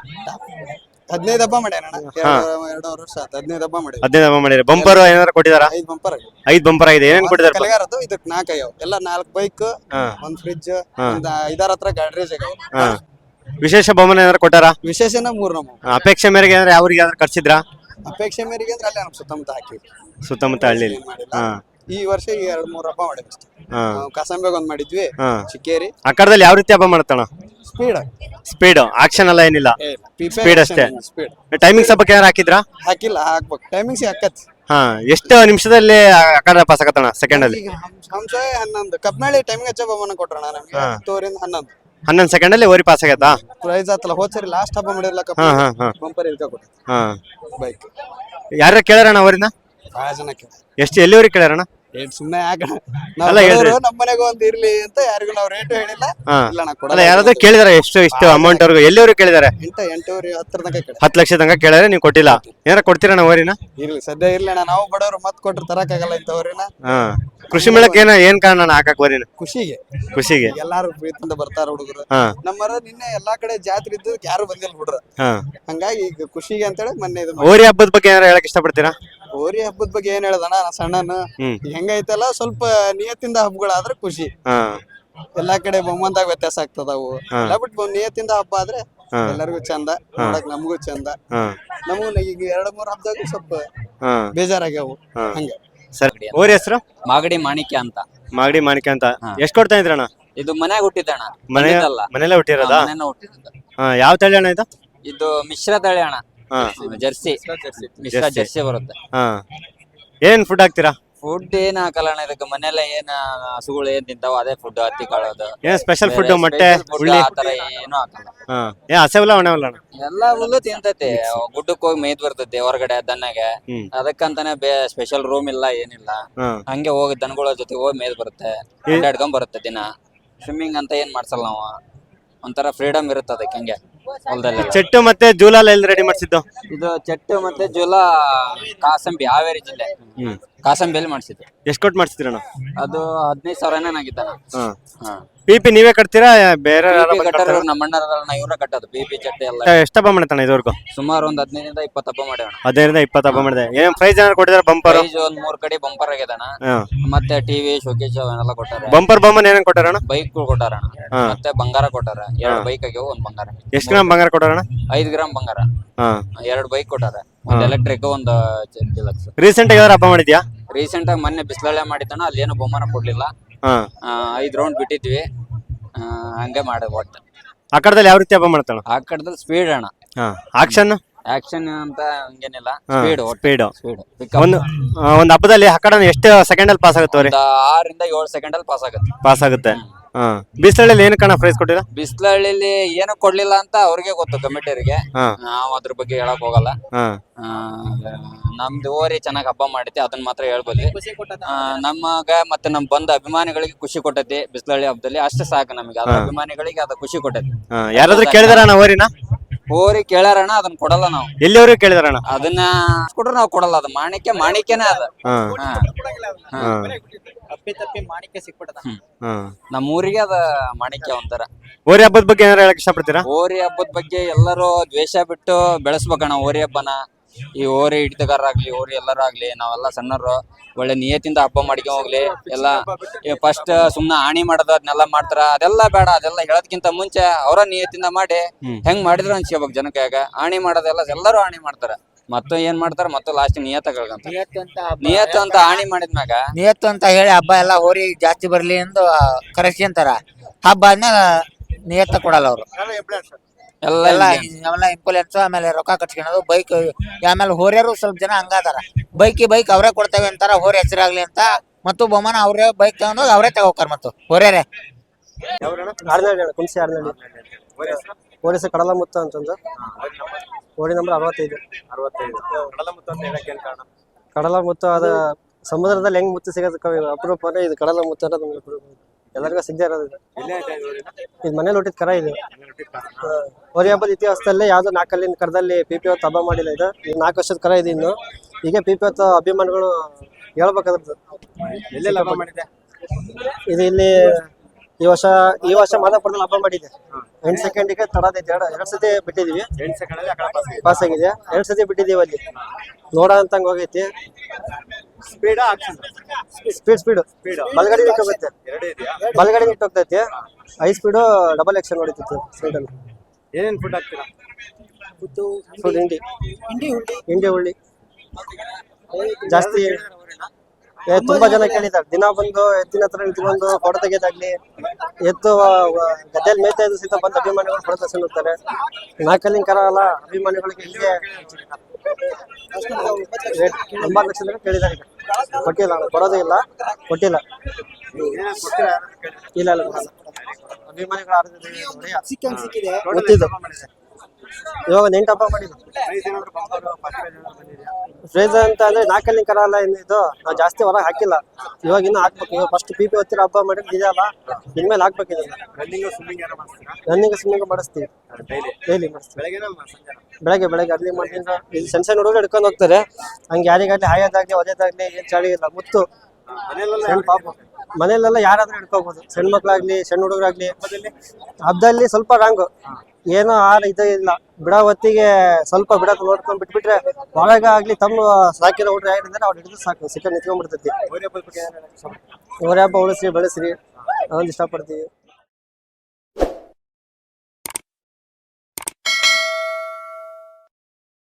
ಹದಿನೈದು ಹಬ್ಬ ಮಾಡ್ಯಾನ ಎರಡೂವರೆ ವರ್ಷ ಆಯ್ತು, ಹದಿನೈದು ಹಬ್ಬ ಮಾಡಿ.
ಹದಿನೈದು ಹಬ್ಬ ಮಾಡಿರಿ. ಬಂಪರ್ ಏನಾರ ಕೊಟ್ಟಿದಾರ?
ಐದು ಬಂಪರ್ ಆಗಿ.
ಐದ್ ಬಂಪರ್ ಆಗಿದೆ. ಏನೇನ್ ಕೊಟ್ಟಿದಾರ?
ಕಲೆಗಾರದ್ದು ಇದಕ್ ನಾಲ್ಕು ಆಗ್ಯಾವ, ಎಲ್ಲ ನಾಲ್ಕು ಬೈಕ್,
ಹಾ
ಒಂದ್ ಫ್ರಿಡ್ಜ್, ಒಂದ್ ಐದಾರ ಹತ್ರ ಗಾಡ್ರೇಜ್ ಆಗ್ಯಾವ.
ಹಾ ವಿಶೇಷ ಬಹುಮಾನ ಏನಾರ ಕೊಟ್ಟಾರ?
ವಿಶೇಷನ ಮೂರ್ ನಮ್ಮ
ಅಪೇಕ್ಷೆ ಮೇರೆಗೆ ಏನಾರ ಯಾವ್ರಿಗೆ ಯಾವ್ದಾರ ಕರ್ಸಿದ್ರಾ?
ಅಪೇಕ್ಷೆ ಮೇರೆಗೆ ಅಂದ್ರೆ ಅಲ್ಲೇ ನಮ್ ಸುತ್ತಮುತ್ತ ಹಾಕಿವಿ,
ಸುತ್ತಮುತ್ತ ಹಳ್ಳಿಲಿ.
ಮಾಡಿಲ್ಲ.
ಹಾ
ಈ ವರ್ಷ ಈಗ ಎರಡ್ ಮೂರ್ ಹಬ್ಬ ಮಾಡಿದ್ವಿ ಅಷ್ಟೇ.
ಹಾ
ಕಾಸಂಬೆಗ್ ಒಂದ್ ಮಾಡಿದ್ವಿ,
ಹಾ
ಚಿಕ್ಕೇರಿ.
ಆ ಕಡದಲ್ಲಿ ಯಾವ ರೀತಿ ಹಬ್ಬ ಮಾಡ್ತಾನ?
ಸ್ಪೀಡ್
ಸ್ಪೀಡ್ ಆಕ್ಷನ್ ಎಲ್ಲ ಏನಿಲ್ಲ, ಸ್ಪೀಡ್ ಅಷ್ಟೇ.
ಸ್ಪೀಡ್.
ಟೈಮಿಂಗ್ಸ್ ಹಬ್ಬಕ್ಕೆ ಏನಾರ ಹಾಕಿದ್ರಾ?
ಹಾಕಿಲ್ಲ, ಹಾಕ್ಬೇಕು. ಟೈಮಿಂಗ್ಸ್ ಹಾಕತ್.
ಹಾ ಎಷ್ಟು ನಿಮಿಷದಲ್ಲಿ ಆ ಕಡೆ ಪಾಸ್ ಆಗತ್ತಣ? ಸೆಕೆಂಡ್ ಅಲ್ಲಿ?
ಈಗ ಹಂಸ ಹನ್ನೊಂದು ಕಪ್ನಾಳಿ ಟೈಮಿಂಗ್ ಹಚ್ಚ ಹಬ್ಬನ ಕೊಟ್ರಣ ನಮ್ಗೆ. ಹತ್ತುವರಿಂದ ಹನ್ನೊಂದು
ಹನ್ನೊಂದು ಸೆಕೆಂಡ್ ಅಲ್ಲಿ ಓರಿ ಪಾಸ್ ಆಗತ್ತಾ?
ಪ್ರೈಸ್ ಆತಲ್ಲ, ಹೋದ್ ಸರಿ ಲಾಸ್ಟ್ ಹಬ್ಬ ಮಾಡಿರ್ಲ ಕಪ್
ಹಾ ಹಾ ಹಾ
ಬಂಪರ್ ಇಲ್ಕ ಕೊಟ್ಟ
ಹಾ
ಬೈಕ್.
ಯಾರ ಕೇಳಾರಣ ಅವರಿನ?
ಬಹಳ ಜನಕ್ಕೆ
ಎಷ್ಟು ಎಲ್ಲಿವರೆಗೆ ಕೇಳಾರಣ?
ಏನ್ ಸುಮ್ನೆ ಯಾಕ
ಅಲ್ಲ ಹೇಳ್ರಿ.
ನಮ್ಮ ಮನೆಗೆ ಒಂದ್ ಇರ್ಲಿ ಅಂತ ಯಾರಿಗೂ ನಾವು ರೇಟ್ ಹೇಳಿಲ್ಲ.
ಹಾ
ಇಲ್ಲ ನಾ
ಅಲ್ಲ
ಕೊಡಲ್ಲ.
ಯಾರಾದ್ರೂ ಕೇಳಿದಾರೆ ಎಷ್ಟು ಇಷ್ಟು ಅಮೌಂಟ್ ಅವ್ರಿಗೆ? ಎಲ್ಲಿವರೆಗೆ ಕೇಳಿದಾರೆ?
ಎಂಟ ಎಂಟೂವರೆ ಹತ್ತರ ತನಕ ಕೇಳಿ.
ಹತ್ತು ಲಕ್ಷ ತನಕ ಕೇಳಿದ್ರೆ ನೀವು ಕೊಟ್ಟಿಲ್ಲ. ಏನಾರ ಕೊಡ್ತೀರಣ್ಣ ಓರಿನ?
ಇರ್ಲಿ ಸದ್ಯ ಇರ್ಲಿ ಅಣ್ಣ, ನಾವು ಬಡವರು ಮತ್ ಕೊಟ್ರೆ ತರಕಾಗಲ್ಲ ಇಂಥವ್ರಿನ.
ಹಾ ಕೃಷಿ ಮೇಳಕ್ಕೆ ಏನ ಏನ್ ಕಾರಣ ಹಾಕಕ್ ಓರಿನ?
ಖುಷಿಗೆ,
ಖುಷಿಗೆ
ಎಲ್ಲಾರು ಪ್ರೀತಿಯಿಂದ ಬರ್ತಾರ ಹುಡುಗರು.
ಹಾ
ನಮ್ಮರ ನಿನ್ನೆ ಎಲ್ಲಾ ಕಡೆ ಜಾತ್ರೆ ಇದ್ದು ಯಾರು ಬಂದಿಲ್ಲ ಹುಡ್ರ,
ಹಾ
ಹಂಗಾಗಿ ಈಗ ಖುಷಿಗೆ ಅಂತೇಳಿ ಮೊನ್ನೆ ಇದು
ಓರಿ ಹಬ್ಬದ ಬಗ್ಗೆ ಏನಾರ ಹೇಳಕ್ ಇಷ್ಟಪಡ್ತೀರಾ?
ಹೋರಿ ಹಬ್ಬದ ಬಗ್ಗೆ ಏನ್ ಹೇಳ್ದಣ್ಣ, ನಾ ಸಣ್ಣನು
ಹ್ಮ್
ಹೆಂಗೈತಲ್ಲ ಸ್ವಲ್ಪ ನಿಯತ್ತಿಂದ ಹಬ್ಬಗಳಾದ್ರೆ ಖುಷಿ.
ಹಾ
ಎಲ್ಲಾ ಕಡೆ ಬೊಮ್ಮಂದಾಗ ವ್ಯತ್ಯಾಸ ಆಗ್ತದವು.
ಹಾ.
ಎಲ್ಲ ಬಿಟ್ಟು ನಿಯತ್ತಿಂದ ಹಬ್ಬ ಆದ್ರೆ
ಹಾ.
ಎಲ್ಲರಿಗೂ ಚಂದ, ನೋಡಕ್ ನಮಗೂ ಚಂದ.
ಹಾ
ನಮಗೂ ಈಗ ಎರಡ್ ಮೂರ್ ಹಬ್ಬದಾಗ ಸ್ವಲ್ಪ
ಹಾ
ಬೇಜಾರಾಗ್ಯಾವು.
ಹಾ
ಹಂಗ
ಸರಿ. ಓರಿ ಹೆಸರು?
ಮಾಗಡಿ ಮಾಣಿಕ್ಯ ಅಂತ.
ಮಾಗಡಿ ಮಾಣಿಕ್ಯ ಅಂತ.
ಹಾ.
ಎಷ್ಟ್ ಕೊಡ್ತಾ ಇದ್ರಣ್ಣ?
ಇದು ಮನ್ಯಾಗ ಹುಟ್ಟಿದ್ದಣ್ಣ,
ಮನೆ
ಬಂದಿದ್ದಲ್ಲ.
ಮನೆಯಲ್ಲೇ ಹುಟ್ಟಿರೋದಾ?
ಹಾ, ಮನೆಯಲ್ಲೇ ಹುಟ್ಟಿದ್ದು.
ಹಾ ಯಾವ ತಳಿ ಅಣ್ಣ ಇದು?
ಇದು ಮಿಶ್ರ ತಳಿ ಅಣ್ಣ,
ಹಾ
ಜರ್ಸಿ ಮಿಶ್ರ
ಜರ್ಸಿ.
ಜರ್ಸಿ ಬರುತ್ತೆ.
ಹಾ ಏನ್ ಫುಡ್ ಹಾಕ್ತೀರಾ?
ಫುಡ್ ಏನ್ ಹಾಕಲ್ಲ ಅಣ್ಣ ಇದಕ್ಕೆ. ಮನೆಯಲ್ಲ ಏನ್ ಹಸುಗಳು ಏನ್ ತಿಂತಾವ ಅದೇ ಫುಡ್, ಹತ್ತಿ ಕಾಳೋದು.
ಏನ್ ಸ್ಪೆಷಲ್ ಫುಡ್ ಮೊಟ್ಟೆ
ಫುಡ್
ಉಳ್ಳಿ
ಆತರ ಏನು ಹಾಕಲ್ಲ.
ಹಾ ಏನ್ ಹಸೆವಲ್ಲ ಒಣವಲ್ಲ ಅಣ್ಣ?
ಎಲ್ಲಾ ಹುಲ್ಲು ತಿಂತೈತಿ. ಗುಡ್ಡಕ್ಕೆ ಹೋಗಿ ಮೇಯ್ದ್ ಬರ್ತೈತಿ ಹೊರಗಡೆ ದನ್ನಗೆ.
ಹ್ಮ್.
ಅದಕ್ಕಂತಾನೆ ಬೇ ಸ್ಪೆಷಲ್ ರೂಮ್ ಇಲ್ಲ ಏನಿಲ್ಲ.
ಹಾ
ಹಂಗೆ ಹೋಗಿ ದನಗಳ ಜೊತೆ ಹೋಗಿ ಮೇಯ್ದ್ ಬರುತ್ತೆ, ಅಡ್ಡಾಡ್ಕೊಂಡ್ ಬರುತ್ತೆ ದಿನ. ಸ್ವಿಮ್ಮಿಂಗ್ ಅಂತ ಏನ್ ಮಾಡ್ಸಲ್ಲ ನಾವು, ಒಂಥರ ಫ್ರೀಡಮ್ ಇರುತ್ತೆ ಅದಕ್ಕೆ. ಹಂಗೆ ಹೊಲದಲ್ಲಿ
ಚೆಟ್ಟು ಮತ್ತೆ ಜೂಲಾಲ್ ಎಲ್ಲಿ ರೆಡಿ ಮಾಡ್ಸಿದ್ದು?
ಇದು ಚೆಟ್ಟು ಮತ್ತೆ ಜೋಲ ಕಾಸಂಬಿ, ಹಾವೇರಿ ಜಿಲ್ಲೆ
ಹ್ಮ್
ಕಾಸಂಬಿಯಲ್ಲಿ ಮಾಡಿಸಿದ್ದು.
ಎಷ್ಟ್ ಕೊಟ್ಟು ಮಾಡ್ಸಿದ್ರಣ್ಣ?
ಅದು ಹದಿನೈದು ಸಾವಿರ ಆಗಿದ್ದಾನ.
ಹಾ
ಹಾ
ಪಿ ಪಿ ನೀವೇ ಕಟ್ತೀರಾ ಬೇರೆ
ಪಿ ಪಿ ಕಟ್ಟೋರು ನಮ್ಮ ಅಣ್ಣರನ್ನ ಇವ್ರ ಕಟ್ಟೋದು. ಪಿ ಪಿ ಚಟ್ಟೆ ಎಲ್ಲ
ಎಷ್ಟು ಹಬ್ಬ ಮಾಡತ್ತಣ್ಣ ಇದುವರೆಗೂ?
ಸುಮಾರು ಒಂದ್ ಹದಿನೈದರಿಂದ ಇಪ್ಪತ್ತು ಹಬ್ಬ ಮಾಡ್ಯಾವ.
ಹದಿನೈದರಿಂದ ಇಪ್ಪತ್ತು ಹಬ್ಬ ಮಾಡಿದೆ. ಏನ್ ಪ್ರೈಸ್ ಏನಾರು ಕೊಟ್ಟಿದಾರ? ಬಂಪರ್
ಪ್ರೈಸ್ ಒಂದ್ ಮೂರ್ ಕಡೆ ಬಂಪರ್ ಆಗ್ಯದಣ. ಮತ್ತೆ ಟಿವಿ ಶೋಕೇಶ್ ಅವನ್ನೆಲ್ಲ ಕೊಟ್ಟಾರೆ.
ಬಂಪರ್ ಬೊಮ್ಮನ್ ಏನೇನ್ ಕೊಟ್ಟಾರಣ್ಣ?
ಬೈಕ್ ಕೊಟ್ಟಾರಣ, ಮತ್ತೆ ಬಂಗಾರ ಕೊಟ್ಟಾರ. ಎರಡ್ ಬೈಕ್ ಆಗ್ಯಾವ, ಒಂದ್ ಬಂಗಾರ.
ಎಷ್ಟ್ ಗ್ರಾಮ್ ಬಂಗಾರ ಕೊಟ್ಟಾರಣ್ಣ?
ಐದ್ ಗ್ರಾಮ್ ಬಂಗಾರ.
ಹಾ
ಎರಡ್ ಬೈಕ್ ಕೊಟ್ಟಾರ, ಒಂದ್ ಎಲೆಕ್ಟ್ರಿಕ್, ಒಂದ್ ಡಿಲಕ್ಸ್.
ರೀಸೆಂಟ್ ಆಗಿ ಯಾವ್ದಾರ ಹಬ್ಬ ಮಾಡಿದ್ಯಾ?
ರೀಸೆಂಟ್ ಆಗಿ ಮೊನ್ನೆ ಬಿಸ್ಲಳ್ಳೆ ಮಾಡಿದ್ದಣ, ಅಲ್ಲಿ ಏನು ಬಹುಮಾನ ಕೊಡ್ಲಿಲ್ಲ.
ಹಾ
ಐದ್ ರೌಂಡ್ ಬಿಟ್ಟಿದ್ವಿ, ಆ, ಹಂಗೆ ಮಾಡ ಒಟ್ಟು.
ಆ ಕಡದಲ್ಲಿ ಯಾವ ರೀತಿ ಹಬ್ಬ ಮಾಡ್ತಾಳ?
ಆ ಕಡೆದಲ್ಲಿ ಸ್ಪೀಡ್ ಅಣ್ಣ,
ಹಾ ಆಕ್ಷನ್
ಆಕ್ಷನ್ ಅಂತ ಹಂಗೇನಿಲ್ಲ, ಸ್ಪೀಡ್
ಸ್ಪೀಡ್.
ಸ್ಪೀಡ್.
ಒಂದು ಆ, ಒಂದ್ ಹಬ್ಬದಲ್ಲಿ ಆ ಕಡೆ ಎಷ್ಟು ಸೆಕೆಂಡ್ ಅಲ್ಲಿ ಪಾಸ್ ಆಗುತ್ತವ್ರಿ?
ಆರಿಂದ ಏಳು ಸೆಕೆಂಡ್ ಅಲ್ಲಿ ಪಾಸ್ ಆಗುತ್ತೆ.
ಪಾಸ್ ಆಗುತ್ತೆ. ಹಾ ಬಿಸ್ಲಳ್ಳಿ ಏನ್ ಕಣ ಪ್ರೈಸ್ ಕೊಟ್ಟಿಲ್ಲ?
ಬಿಸ್ಲಹಳ್ಳಿಲಿ ಏನು ಕೊಡ್ಲಿಲ್ಲ ಅಂತ ಅವ್ರಿಗೆ ಗೊತ್ತು, ಕಮಿಟಿಯರಿಗೆ.
ಹಾ
ನಾವ್ ಅದ್ರ ಬಗ್ಗೆ ಹೇಳಕ್ ಹೋಗಲ್ಲ.
ಹಾ
ಆ, ನಮ್ದು ಓರಿ ಚೆನ್ನಾಗ್ ಹಬ್ಬ ಮಾಡೈತಿ, ಅದನ್ನ ಮಾತ್ರ ಹೇಳ್ಬೋದು. ಆ, ನಮಗ ಮತ್ತೆ ನಮ್ ಬಂದ ಅಭಿಮಾನಿಗಳಿಗೆ ಖುಷಿ ಕೊಟ್ಟೈತಿ ಬಿಸ್ಲಹಳ್ಳಿ ಹಬ್ಬದಲ್ಲಿ, ಅಷ್ಟೇ ಸಾಕು ನಮಗೆ. ಅದ್ರ ಅಭಿಮಾನಿಗಳಿಗೆ ಅದ ಖುಷಿ ಕೊಟ್ಟೈತಿ.
ಹಾ ಯಾರಾದ್ರೂ ಕೇಳಿದಾರಣ್ಣ ಓರಿನ?
ಓರಿ ಕೇಳ್ಯಾರಣ, ಅದನ್ನ ಕೊಡಲ್ಲ ನಾವು.
ಎಲ್ಲಿವರೆಗೂ ಕೇಳಿದಾರಣ್ಣ?
ಅದನ್ನ ಕೊಟ್ರೆ ನಾವು ಕೊಡಲ್ಲ. ಅದು ಮಾಣಿಕ್ಯ ಮಾಣಿಕ್ಯನೇ ಅದ.
ಹಾ
ಹಾ.
ಹಾ
ಹ್ಮ್.
ಹಾ
ನಮ್ಮ ಊರಿಗೆ ಅದ ಮಾಣಿಕ್ಯ ಒಂಥರ.
ಓರಿ ಹಬ್ಬದ ಬಗ್ಗೆ ಏನಾರ ಹೇಳಕ್ ಇಷ್ಟಪಡ್ತೀರಾ?
ಹೋರಿ ಹಬ್ಬದ ಬಗ್ಗೆ ಎಲ್ಲರೂ ದ್ವೇಷ ಬಿಟ್ಟು ಬೆಳೆಸ್ಬೇಕಣ್ಣ ಹೋರಿ ಹಬ್ಬನ. ಈ ಹೋರಿ ಹಿಡಿತಗಾರರಾಗ್ಲಿ, ಹೋರಿ ಎಲ್ಲರಾಗ್ಲಿ, ನಾವೆಲ್ಲ ಸಣ್ಣರು ಒಳ್ಳೆ ನಿಯತಿಂದ ಹಬ್ಬ ಮಾಡ್ಕೊಂಡ್ ಹೋಗ್ಲಿ. ಎಲ್ಲ ಫಸ್ಟ್ ಸುಮ್ನ ಹಾನಿ ಮಾಡೋದು ಅದನ್ನೆಲ್ಲ ಮಾಡ್ತಾರ, ಅದೆಲ್ಲ ಬೇಡ. ಅದೆಲ್ಲ ಹೇಳೋದ್ಕಿಂತ ಮುಂಚೆ ಅವರ ನಿಯತಿಂದ ಮಾಡಿ ಹೆಂಗ್ ಮಾಡಿದ್ರು ಅನ್ಸ್ಕೋಬೇಕು ಜನಕ್ಕೆ. ಹಾನಿ ಮಾಡೋದೆಲ್ಲ ಎಲ್ಲರೂ ಹಾನಿ ಮಾಡ್ತಾರ, ಮತ್ತು ಏನ್ ಮಾಡ್ತಾರ, ಮತ್ತು ಲಾಸ್ಟ್ ನಿಯತ ಕಳ್ಕಂತ. ನಿಯತ್ ಅಂತ ಹಾನಿ ಮಾಡಿದ್ಮ್ಯಾಗ
ನಿಯತ್ತು ಅಂತ ಹೇಳಿ ಹಬ್ಬ ಎಲ್ಲ ಹೋರಿ ಜಾಸ್ತಿ ಬರ್ಲಿ ಎಂದು ಕರೆಸ್ಕೊಂತಾರ. ಹಬ್ಬ ಆದ್ಮೇಲೆ ನಿಯತ್ತ ಕೊಡಲ್ಲ ಅವರು.
ಎಲ್ಲ
ಎಲ್ಲ
ಹಿಂಗೆ.
ಎಲ್ಲ ಇಂಪುಲೆನ್ಸ್, ಆಮೇಲೆ ರೊಕ್ಕ ಕಟ್ಕೊಳೋದು, ಬೈಕ್. ಆಮೇಲೆ ಹೋರಿಯರು ಸ್ವಲ್ಪ ಜನ ಹಂಗಾದಾರ, ಬೈಕಿ ಬೈಕ್ ಅವರೇ ಕೊಡ್ತೇವೆ ಅಂತಾರ, ಹೋರಿ ಹೆಸರಾಗ್ಲಿ ಅಂತ. ಮತ್ತು ಬಹುಮಾನ ಅವ್ರೇ ಬೈಕ್ ತಗೊಂಡೋಗಿ ಅವರೇ ತಗೋಕಾರ. ಮತ್ತು ಹೋರ್ಯಾರೆ
ಕುಂಸಿ ಆರ್ನಳ್ಳಿ ಪೊಲೀಸ್ ಕಡಲ ಮುತ್ತ ಅಂತಂದು ಓಡಿ ನಂಬರ್ ಅರವತ್ತೈದು. ಕಡಲ ಮುತ್ತ ಅದ ಸಮುದ್ರದಲ್ಲಿ ಹೆಂಗ್ ಮುತ್ತು ಸಿಗೋದಕ್ಕೆ ಅಪರೂಪ ಇದು ಕಡಲ ಮುತ್ತ ಅನ್ನೋದು ಎಲ್ಲರಿಗೂ ಸಿಗದೆ ಇರೋದು. ಇದು ಮನೇಲಿ ಹುಟ್ಟಿದ ಕರ ಇದು. ಹೋರಿ ಹಬ್ಬದ ಇತಿಹಾಸದಲ್ಲಿ ಯಾವ್ದೋ ನಾಲ್ಕಲ್ಲಿನ ಕರದಲ್ಲಿ ಪಿ ಪಿ ಹೊತ್ತು ಹಬ್ಬ ಮಾಡಿಲ್ಲ. ಇದು ಈಗ ನಾಲ್ಕು ವರ್ಷದ ಕರ ಇದೆ. ಇನ್ನು ಈಗ ಪಿ ಪಿ ಹೊತ್ತು ಅಭಿಮಾನಿಗಳು ಹೇಳ್ಬೇಕಾದ್ರದ್ದು. ಇದು ಇಲ್ಲಿ ಈ ವರ್ಷ ಈ ವರ್ಷ ಮಾದಾಪುರದಲ್ಲಿ ಹಬ್ಬ ಮಾಡಿದೆ. ಎಂಟು ಸೆಕೆಂಡಿಗೆ ತಡದೈತೆ. ಎರಡು ಎರಡು ಸತಿ ಬಿಟ್ಟಿದೀವಿ, ಪಾಸ್ ಆಗಿದೆ. ಎರಡು ಸತಿ ಬಿಟ್ಟಿದೀವಿ ಅಲ್ಲಿ, ನೋಡ ಅಂತಂಗ ಹೋಗೈತಿ. ಸ್ಪೀಡ್ ಸ್ಪೀಡ್ ಸ್ಪೀಡ್ ಬಲಗಡೆ ನಿಟ್ಟು ಹೋಗುತ್ತೆ, ಬಲಗಡೆ ನಿಟ್ಟು ಹೋಗ್ತೈತಿ. ಹೈ ಸ್ಪೀಡು ಡಬಲ್ ಎಕ್ಷನ್ ಹೊಡಿತೈತಿ ಸ್ಪೀಡಲ್ಲಿ.
ಏನೇನ್ ಫುಡ್ ಹಾಕ್ತೀರಾ?
ಫುಡ್ ಹಿಂಡಿ ಹಿಂಡಿ ಹುಳ್ಳಿ ಜಾಸ್ತಿ. ಏ ತುಂಬಾ ಜನ ಕೇಳಿದ್ದಾರೆ. ದಿನ ಬಂದು ಎತ್ತಿನ ಹತ್ರ ನಿಂತ್ಕೊಂಡು ಫೋಟೋ ತೆಗೆಯೋದಾಗ್ಲಿ, ಎತ್ತು ಗದ್ದೆಯಲ್ಲಿ ಮೇಯ್ತಾ ಇದ್ದು ಸಹಿತ ಬಂದು ಅಭಿಮಾನಿಗಳು ಫೋಟೋ ತಗೊಂಡಿರ್ತಾರೆ. ನಾಲ್ಕಲ್ಲಿನ ಕರ ಅಲ್ಲ, ಅಭಿಮಾನಿಗಳಿಗೆ ಹೀಗೆ ಒಂಬತ್ತು ಲಕ್ಷ ಜನ ಕೇಳಿದ್ದಾರೆ. ಕೊಟ್ಟಿಲ್ಲ, ಕೊಡೋದೇ ಇಲ್ಲ, ಕೊಟ್ಟಿಲ್ಲ. ಇಲ್ಲ ಇಲ್ಲ ಅಭಿಮಾನಿಗಳು ಗೊತ್ತಿದ್ದು. ಇವಾಗ ಎಂಟು ಹಬ್ಬ ಮಾಡಿದ್ದು. ಫ್ರೇಜ್ ಅಂತ ಅಂದ್ರೆ ನಾಲ್ಕಲ್ಲಿ ಕರ ಅಲ್ಲ ಇದು. ನಾವು ಜಾಸ್ತಿ ಹೊರಗೆ ಹಾಕಿಲ್ಲ, ಇವಾಗ ಇನ್ನು ಹಾಕ್ಬೇಕು. ಇವಾಗ ಫಸ್ಟ್ ಪಿ ಪಿ ಹೊತ್ತಿರ ಹಬ್ಬ ಮಾಡಿದ್ರೆ ಇದೆಯಲ್ಲ, ಇನ್ಮೇಲೆ ಹಾಕ್ಬೇಕಿದೆ. ರನ್ನಿಂಗ್ ಸ್ವಿಮ್ಮಿಂಗ್ ಮಾಡಿಸ್ತೀವಿ, ಡೈಲಿ ಮಾಡಿಸ್ತೀವಿ. ಬೆಳಗ್ಗೆ ಬೆಳಗ್ಗೆ ಅರ್ಲಿ ಮಾಡಿಂದ ಇಲ್ಲಿ ಸಣ್ಣ ಸಣ್ಣ ಹುಡುಗರು ಹಿಡ್ಕೊಂಡು ಹೋಗ್ತಾರೆ. ಹಂಗೆ ಯಾರಿಗಾಗ್ಲಿ ಹಾಯೋದಾಗ್ಲಿ ಒದೇದಾಗ್ಲಿ ಏನ್ ಚಾಳಿ ಇಲ್ಲ. ಮುತ್ತು ಸಣ್ಣ ಪಾಪ ಮನೇಲೆಲ್ಲ ಯಾರಾದ್ರೂ ಹಿಡ್ಕೋಬಹುದು, ಸಣ್ಣ ಮಕ್ಳಾಗ್ಲಿ ಸಣ್ಣ ಹುಡುಗರಾಗ್ಲಿ. ಹಬ್ಬದಲ್ಲಿ ಸ್ವಲ್ಪ ರಾಂಗು ಏನೋ ಆರ ಇದು ಇಲ್ಲ. ಬಿಡ ಹೊತ್ತಿಗೆ ಸ್ವಲ್ಪ ಬಿಡಕ್ ನೋಡ್ಕೊಂಡ್ ಬಿಟ್ಬಿಟ್ರೆ ಒಳಗ ಆಗ್ಲಿ ತಮ್ಮ ಸಾಕಿರೋ ಹುಡ್ರು ಯಾರಿದ್ರೆ ಅವ್ರು ಹಿಡಿದು ಸಾಕು, ಸಿಕ್ಕ ನಿಂತ್ಕೊಂಡ್ಬಿಡ್ತೈತಿ. ಹೋರಿ ಹಬ್ಬ ಉಳಿಸ್ರಿ ಬೆಳೆಸ್ರಿ, ನಾವೊಂದು ಇಷ್ಟಪಡ್ತೀವಿ.